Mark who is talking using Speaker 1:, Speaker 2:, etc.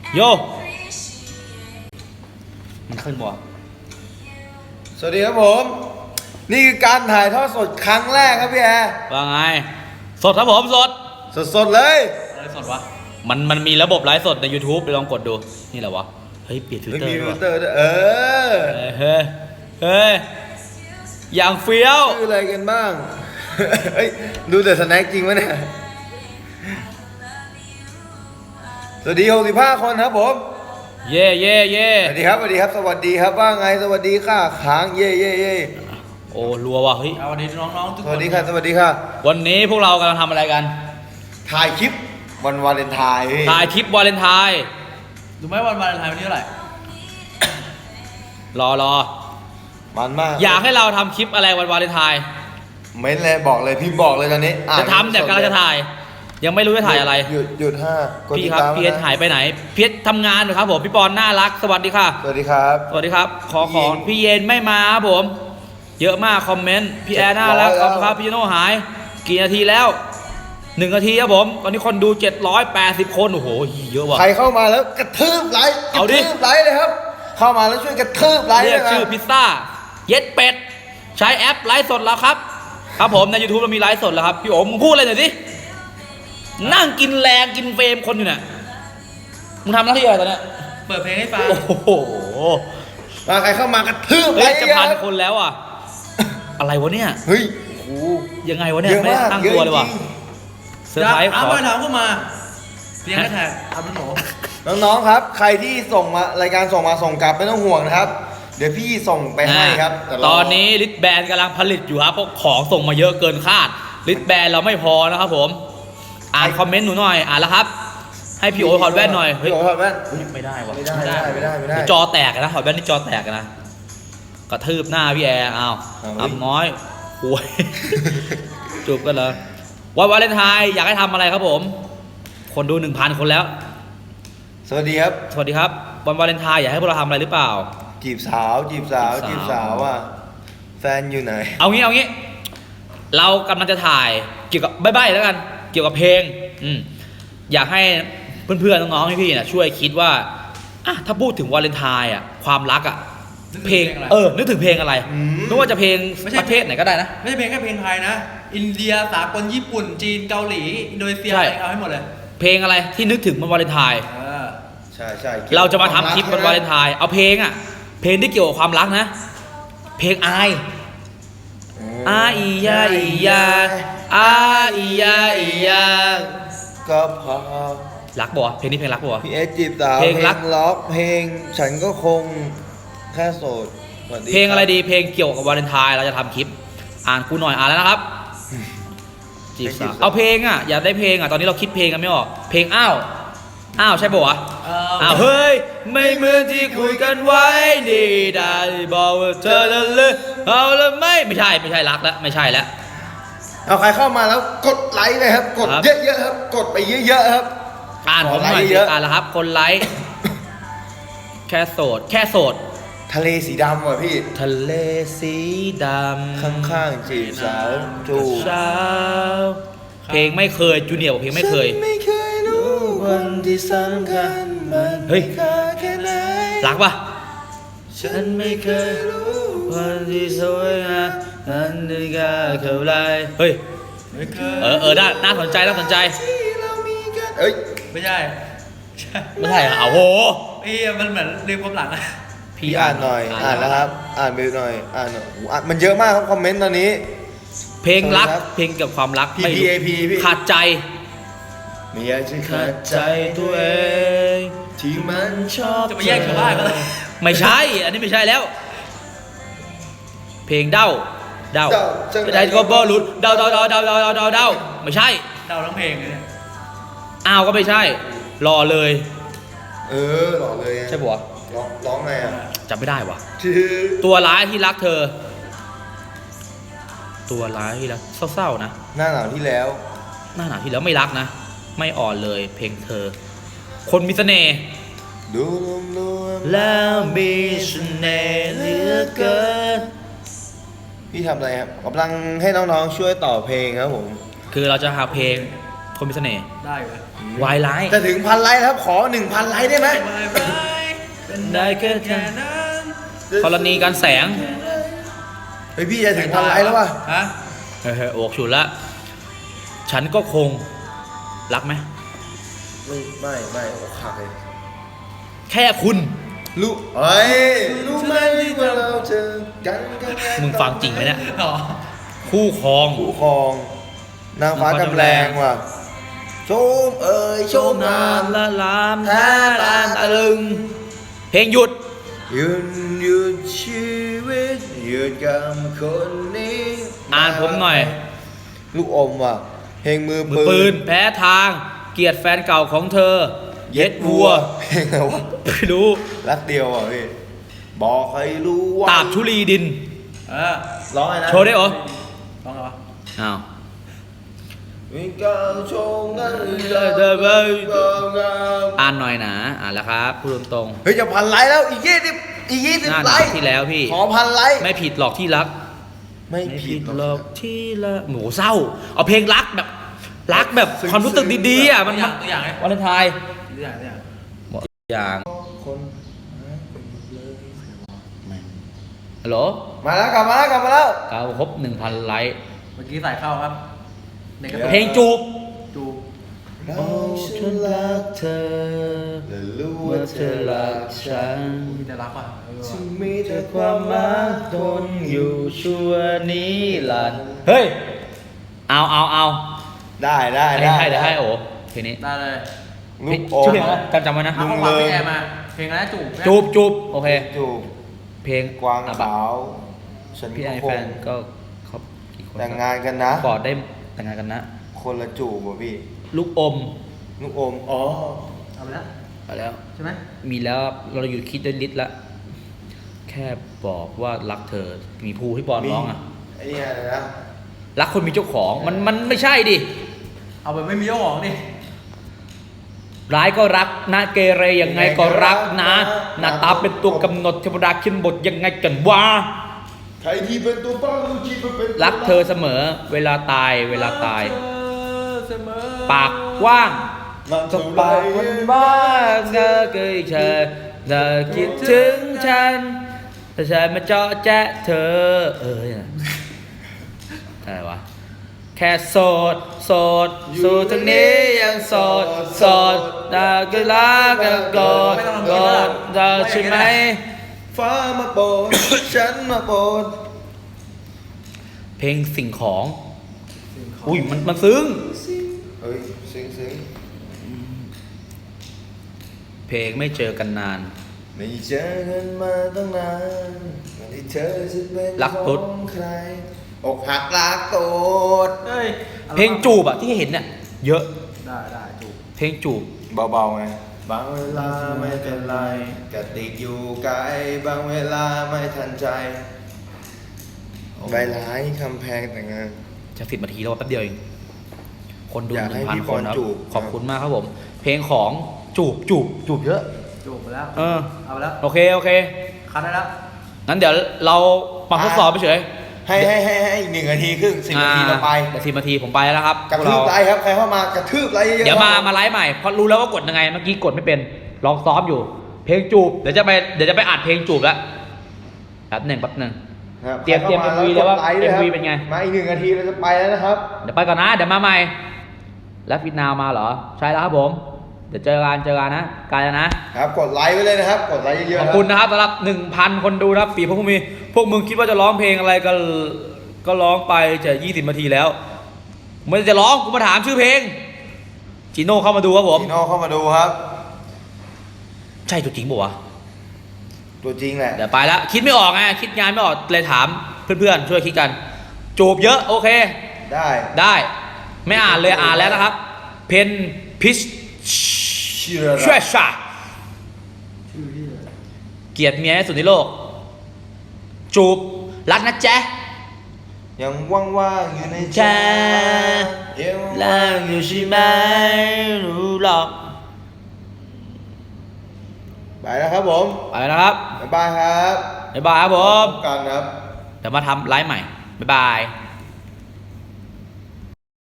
Speaker 1: โยมันขึ้นบ่
Speaker 2: สวัสดีครับผมนี่คือการถ่ายทอดสดครั้งแรกครับพี่แอร์
Speaker 1: ว่าไงสดครับผม
Speaker 2: สดเลย
Speaker 1: อะไรสดวะมันมีระบบไลฟ์สดใน YouTube ไปลองกดดูนี่แหละวะเฮ้ยเปลี่ยนฟิลเตอร์ด้วยเฮ้ยอย่างเฟี้ยว
Speaker 2: ชื่ออะไรกันบ้างเฮ้ยดูแต่สแน็คจริงวะเนี่ยสวัสดี65คนครับผม
Speaker 1: เย่
Speaker 2: สวัสดีครับสวัสดีครับว่าไงสวัสดีค่ะค้างเย่
Speaker 1: โอ้รัวว่ะเฮ้ย
Speaker 3: สวัสดีน้องๆทุกคน
Speaker 2: สวัสดีค่ะ
Speaker 1: วันนี้พวกเรากำลังทำอะไรกัน
Speaker 2: ถ่ายคลิปวันวาเลนไทน์
Speaker 1: ถ่ายคลิปวาเลนไทน์
Speaker 3: รู้ไหมวันวาเลนไทน์วันนี้เท่าไหร่
Speaker 1: รอ
Speaker 2: มันมาก
Speaker 1: อยากให้เราทำคลิปอะไรวันวาเลนไทน์
Speaker 2: เม้นเลยบอกเลยพี่บอกเลยตอนนี้
Speaker 1: จะทำแต่กำลังจะถ่ายยังไม่รู้จะถ่ายอะไร
Speaker 2: หยุด5
Speaker 1: พี่ครับพี่เอสหายไปไหนพี่เอสทำงานอยู่ครับผมพี่ปอนน่ารักสวัสดีค่ะ
Speaker 2: สวัสดีครับ
Speaker 1: ขอพี่เย็นไม่มาครับผมเยอะมากคอมเมนต์พี่แอร์น่ารักครับพี่โน่หายกี่นาทีแล้ว1 นาทีครับผมตอนนี้คนดู780 คนโอ้โหเยอะว่ะ
Speaker 2: ใครเข้ามาแล้วกระทืบไลค์
Speaker 1: เอาดิ
Speaker 2: ไลค์เลยครับเข้ามาแล้วช่วยกระทืบไลค์
Speaker 1: เรียกชื่อพิซซ่าเย็ดเป็ดใช้แอปไลฟ์สดแล้วครับครับผมใน YouTube เรามีไลฟ์สดแล้วครับพี่โอ๋มึงพูดอะไรหน่อยสินั่งกินแรงกินเฟรมคนอยู่เนี่ยมึงทำหน้าที่อะไรตอนเนี้ย
Speaker 3: เปิดเพลงให้ฟัง
Speaker 1: โอ้โห
Speaker 2: ใครเข้ามากระทืบ
Speaker 1: ไลค์จะ1,000 คนแล้วอ่ะอะไรวะเนี่ย
Speaker 2: เฮ้ย
Speaker 1: ยังไงวะเนี่ยไม่ตั้งตัวเลยว่ะเซอร์ไพรส์
Speaker 3: ถามเข้ามาเพียงแค่แท็กทำเป็นหนู
Speaker 2: น้องๆครับใครที่ส่งมารายการส่งกลับไม่ต้องห่วงนะครับเดี๋ยวพี่ส่งไปให้ครับ
Speaker 1: ตอนนี้ลิทแบนกำลังผลิตอยู่ครับเพราะของส่งมาเยอะเกินคาดลิทแบนเราไม่พอนะครับผมอ่านคอมเมนต์หนูหน่อยอ่านแล้วครับให้พี่โอถอดแว่นหน่อย
Speaker 2: พี่โอถอดแว่น
Speaker 1: ไม่ได้วะ
Speaker 2: ไม่ได้
Speaker 1: จอแตกนะถอดแว่นนี่จอแตกนะกระทืบหน้าพี่แอร์อ้าวน้อยป่วยจูบกันเหรอวันวาเลนไทน์อยากให้ทำอะไรครับผมคนดู 1,000 คนแล้ว
Speaker 2: สวัสดีครับ
Speaker 1: วันวาเลนไทน์อยากให้พวกเราทำอะไรหรือเปล่า
Speaker 2: จีบสาวอ่ะแฟนอยู่ไหน
Speaker 1: เอางี้เรากำลังจะถ่ายเกี่ยวกับใบ้ๆแล้วกันเกี่ยวกับเพลงอยากให้เพื่อนๆน้องๆพี่ๆนะช่วยคิดว่าถ้าพูดถึงวาเลนไทน์ความรักเพลงนึกถึงเพลงอะไรไม่ว่าจะเพลงประเทศไหนก็ได้นะ
Speaker 3: ไม่ใช่เพลงแค่เพลงไทยนะอินเดียสากลญี่ปุ่นจีนเกาหลีอินโดนีเซียเอาให้หมดเลย
Speaker 1: เพลงอะไรที่นึกถึงวันวาเลนไทน์
Speaker 2: ใช่
Speaker 1: เราจะมาทำคลิปวันวาเลนไทน์เอาเพลงที่เกี่ยวกับความรักนะเพลงอายอียาอียาอียาอียา
Speaker 2: ก็พอ
Speaker 1: รักบ่เพลงนี้เพลงรักบ่
Speaker 2: พี่เอสจีบสาวเพลงรักล็อกเพลงฉันก็คงแค่โสด
Speaker 1: เพลงอะไรดีเพลงเกี่ยวกับวาเลนไทน์เราจะทำคลิปอ่านกูหน่อยอ่านแล้วนะครับจีบสาวเอาเพลงอยากได้เพลงตอนนี้เราคิดเพลงกันไม่ออกเพลงอ้าวใช่ป่ะวะเฮ้ยไม่เหมือนที่คุยกันไว้นี่ได้บอกว่าเธอจะเลิกเอาแล้วไม่ใช่รักแล้วไม่ใช่แล้ว
Speaker 2: เอาใครเข้ามาแล้วกดไลค์เลยครับกดเยอะๆครับกดไปเยอะๆครับ
Speaker 1: อ่านผมหน่อยอ่านแล้วครับคนไลค์แค่โสด
Speaker 2: ทะเลสีดำว่ะพี่
Speaker 1: ทะเลสีดำ
Speaker 2: ข้างๆจีบสาวจูบ
Speaker 1: สาวเพลงไม่เคยจูเนียร์บอกเพลงไม่เคย
Speaker 2: วันที่สำคัญมัน
Speaker 1: เฮ้ยรักปะฉันไม่เคยรู้วันที่สวยงามนั้นได้กล้าเข้าไล่เฮ้ยน่าสนใจ
Speaker 3: เอ้ยไม่ใช่
Speaker 1: โอ้โห
Speaker 3: มันเหมือนเรื่องความหลัง
Speaker 2: พี่อ่านหน่อยอ่านแล้วครับอ่านไปหน่อยมันเยอะมากครับคอมเมนต์ตอนนี้
Speaker 1: เพลงรักเพลงเกี่ยวกับความรัก
Speaker 2: ไม่
Speaker 1: ขาดใจ
Speaker 2: ไม่อยากจะขาดใจตัวเองที่มันชอบ
Speaker 3: จะไปแย่งชาวบ้านก็เลย
Speaker 1: ไม่ใช่อันนี้ไม่ใช่แล้วเพลงเด้าได้ก็บอลุดเด้าไม่ใช่
Speaker 3: เด้าทั้งเพลงเลยเนี่ย
Speaker 1: ก็ไม่ใช่รอเลย
Speaker 2: หล่อเลย
Speaker 1: ใช่ปะ
Speaker 2: ร้องไง
Speaker 1: จำไม่ได้วะตัวร้ายที่รักเธอตัวร้ายที่รักเศร้าๆนะ
Speaker 2: หน้าหนาวที่แล้ว
Speaker 1: ไม่รักนะไม่อ่อนเลยเพลงเธอคนมีเสน่ห์
Speaker 2: ดูรวม
Speaker 1: แล้วมีเสน่ห์เหลือเกิน
Speaker 2: พี่ทำอะไรครับกำลังให้น้องๆช่วยต่อเพลงครับผม
Speaker 1: คือเราจะหาเพลงคนมีเสน่ห์
Speaker 3: ได้อยู่นะ
Speaker 1: วายร้าย
Speaker 2: จะถึง1,000 ไลค์แล้วครับ ขอ 1,000 ไลค์ได้ไหม
Speaker 3: เป็นได้แค่นั้น
Speaker 1: กรณีการแสง
Speaker 2: เฮ้ยพี่จะถึง1,000 ไลค์แล้วว่ะ
Speaker 3: ฮะ
Speaker 1: เฮ้ยโอกฉุนละ ฉันก็คง รักไหม
Speaker 2: ไม่โอ้ขาดเลย
Speaker 1: แค่คุณ
Speaker 2: รู้เฮ้ยรู้ไหมว่าเราเจอกันกัน
Speaker 1: มึงฟังจริงไหมเนี่ย
Speaker 3: อ๋อ
Speaker 1: คู่ครอง
Speaker 2: ผู้ครองนางฟ้ากำแรงว่ะโชมเอ่ยโชมงาม
Speaker 1: ละลามแท้ลานตะลึง เพลงหยุด
Speaker 2: ยืนหยุดชีวิตหยุดกับคนนี้
Speaker 1: อ่านผมหน่อย
Speaker 2: ลูกอมว่ะเพลงมือ
Speaker 1: มือปืน แพ้ทาง เกลียดแฟนเก่าของเธอ เย็ดวัว
Speaker 2: เพลงอะไรวะ
Speaker 1: ไม่รู้
Speaker 2: รักเดียวอ่ะพี่บอกให้รู้ว่า
Speaker 1: ตาบชุลีดิน
Speaker 3: เออ
Speaker 2: ร้องไงนะ
Speaker 1: โชว์ได้เหรอ
Speaker 3: ต้องเหรอ
Speaker 1: อ้าว
Speaker 2: มีการโชว์งาน
Speaker 1: อ่านหน่อยนะ อ่านแล้วครับพูดตรง
Speaker 2: เฮ้ยจะ1,000 ไลค์แล้วอีก20
Speaker 1: ๆหน้าห
Speaker 2: ไล
Speaker 1: นัก
Speaker 2: ค์
Speaker 1: ที่แล้วพี่
Speaker 2: ขอ1,000 ไลค์
Speaker 1: ไม่ผิดหรอกที่รัก
Speaker 2: ไม่ผิด
Speaker 1: หรอกที่รักหมูเศร้า เอาเพลงรักแบบความรู้สึกดีๆอ่ะมัน
Speaker 3: ตัวอย่างไง
Speaker 1: วาเลนไทน์
Speaker 3: ตัวอย่างตัวอย่าง
Speaker 1: หมดอย่าง
Speaker 2: คน
Speaker 1: ฮัลโหล
Speaker 2: มาแล้วกลับมาแล้ว
Speaker 1: กาวครบ 1,000 ไลค์
Speaker 3: เมื่อกี้ใส่เข้าครับในกระ
Speaker 1: เพลงจูบ
Speaker 3: จู
Speaker 2: เราฉันรักเธอและรู้ว่าเธอรักฉัน
Speaker 3: มีแต่รักว่ะเออ
Speaker 2: ฉั
Speaker 3: ว่ะ
Speaker 2: นมีแต่ความรักทนอยู่ชั่วนิรันดร์
Speaker 1: เฮ้ย เอา
Speaker 2: ได้
Speaker 1: เดี๋ยวให้โอ้เพลงนี้
Speaker 3: ได้เลย
Speaker 2: ลูกอ
Speaker 1: ชื่อ
Speaker 2: ม
Speaker 1: เพลงอะไรจำไว้นะ
Speaker 3: เอาข้อความพี่แอร์มา เพลงอะไรนะจูบ
Speaker 1: จูบโอเค
Speaker 2: จูบ
Speaker 1: เพลง
Speaker 2: กวาง
Speaker 1: อ่ะ
Speaker 2: ขาวฉัน
Speaker 1: พี่ไอ
Speaker 2: ก็ค
Speaker 1: แฟ
Speaker 2: ง
Speaker 1: นก็เขากี่คน
Speaker 2: แต่งงานกันนะ
Speaker 1: กอดได้แต่งงานกันนะ
Speaker 2: คนละจูบว่ะพี่
Speaker 1: ลูกอม
Speaker 2: ลูกอมอ๋อ
Speaker 3: เอาไปแล้ว
Speaker 1: ไปแล้ว
Speaker 3: ใช่ไหม
Speaker 1: มีแล้วเราอยู่คิดด้วยลิตรละแค่บอกว่ารักเธอ มีภูที่บอลร้องอ่ะ
Speaker 2: ไอ้นี่อะไรนะ
Speaker 1: รักคนมีเจ้าของมันไม่ใช่ดิ
Speaker 3: เอาไปไม่มีเจ้าของดิ
Speaker 1: ร้ายก็รักนะเกเรยังไงก็รักนะหน้าตาเป็นตัวกำหนดเทวดาขึ้นบทยังไงกันวะ
Speaker 2: ใครที่เป็นตัวบ้ารู้ที่เป็น
Speaker 1: รักเธอเสมอ เวลาตาย
Speaker 3: เสมอ
Speaker 1: ปากกว้าง
Speaker 2: มัน
Speaker 1: ส
Speaker 2: เท่าไร
Speaker 1: ปากมันบ้าเธอเคยเธอคิดถึงฉันแต่ฉันมาเจาะแจ๊ะเธออะไรวะแค่โสดสู่ทางนี้ยังโสดแต่ก็รักกันก่อนเธอใช่ไหม
Speaker 2: ฟ้ามาโปรด ฉันมาโปรด
Speaker 1: เพลงสิ่งของ อุ้ยมันซึ้ง
Speaker 2: เฮ้ยซึ้ง
Speaker 1: เพลงไม่เจอกันนาน
Speaker 2: ไม่เจอกันมาตั้งนานวันที่เธอจะเป็น
Speaker 1: รักตุ๊ด
Speaker 2: ของใครอกหักรักโตด
Speaker 3: เฮ้ย
Speaker 1: เพลงจูบอะที่เห็นเนี่ยเยอะ
Speaker 3: ได้จูบ
Speaker 1: เพลงจูบ
Speaker 2: เบาๆไงบางเวลาไม่เป็นไรกระติกอยู่ไกลบางเวลาไม่ทันใจใบร้ายคำแพงแต่งงาน
Speaker 1: จะ10 นาทีแล้วแป๊บเดียวเองคนดู
Speaker 2: อยากให้พี่
Speaker 1: 1,000 คนครับ
Speaker 2: บอลจูบ
Speaker 1: ขอบคุณมากครับผม เพลงของจูบเยอะ
Speaker 3: จูบไปแล้ว
Speaker 1: เออ
Speaker 3: เอาไปแล้ว
Speaker 1: โอเค
Speaker 3: คัดได้แล้ว
Speaker 1: งั้นเดี๋ยวเรามาทดสอบไปเฉย
Speaker 2: ให้อีก1 นาทีครึ่ง10 นาทีเราไป
Speaker 1: เดี๋ยว10 นาทีผมไปแล้วครับ
Speaker 2: กระ
Speaker 1: พว
Speaker 2: ทืบ
Speaker 1: เรา
Speaker 2: ไลค์ครับใครเข้ามากระทืบไลค์เยอะๆ
Speaker 1: เดี๋ยวมาไลฟ์ใหม่เพราะรู้แล้วว่ากดยังไงเมื่อกี้กดไม่เป็นลองซ้อมอยู่ เพลงจูบเดี๋ยวจะไปอัดเพลงจูบแล้วแป๊บหนึ่ง
Speaker 2: ครับ
Speaker 1: เตรียม
Speaker 2: ใคข้าา
Speaker 1: MV เลยว่า
Speaker 2: กดไค์ด้วยครับ
Speaker 1: MV เป็นไง
Speaker 2: มาอีก1 นาทีเราจะไปแล้วนะครับ
Speaker 1: เดี๋ยวไปก่อนนะเดี๋ยวมาใหม่ แล้วฟิตนาวมาเหรอใช่แล้วครับผม เดี๋ยวเจอกันนะกันแล้วนะครับ
Speaker 2: กดไลค์ไว้เลยนะครับ กดไลค์เยอะๆ
Speaker 1: ขอบคุณนะครับสำหรับ 1,000 คนดูนะครับปีพวกมึงคิดว่าจะร้องเพลงอะไรก็ร้องไปจะ20 นาทีแล้วไม่จะร้องกูมาถามชื่อเพลงจีโน่เข้ามาดูครับผม
Speaker 2: พี่โน่เข้ามาดูครับ
Speaker 1: ใช่ตัวจริงป่วะ
Speaker 2: ตัวจริงแหละ
Speaker 1: เดี๋ยวไปแล้วคิดไม่ออกไงคิดงานไม่ออกเลยถามเพื่อนๆช่วยคิดกันจูบเยอะโอเค
Speaker 2: ได้
Speaker 1: ไม่อ่านเลยอ่านแล้วนะครับ เพนพิช
Speaker 2: เชื่อ
Speaker 1: เชื่อชาเกลียดเมียที่สุดในโลก จูบรักนะแจ๊ะ
Speaker 2: ยังว่างๆอยู่ในใจ
Speaker 1: แจ๊ะ
Speaker 2: ยัง
Speaker 1: รั
Speaker 2: ว่าก ง
Speaker 1: อ
Speaker 2: อยู่
Speaker 1: ยู่ใช่ไหมรู้หรอก
Speaker 2: ไปแล้วครับผม
Speaker 1: ไปนะครับ
Speaker 2: บ๊ายบายครับ
Speaker 1: บ๊ายบายครับผม
Speaker 2: พบกันครับ
Speaker 1: เดี๋ยวมาทำไลฟ์ใหม่บ๊ายบาย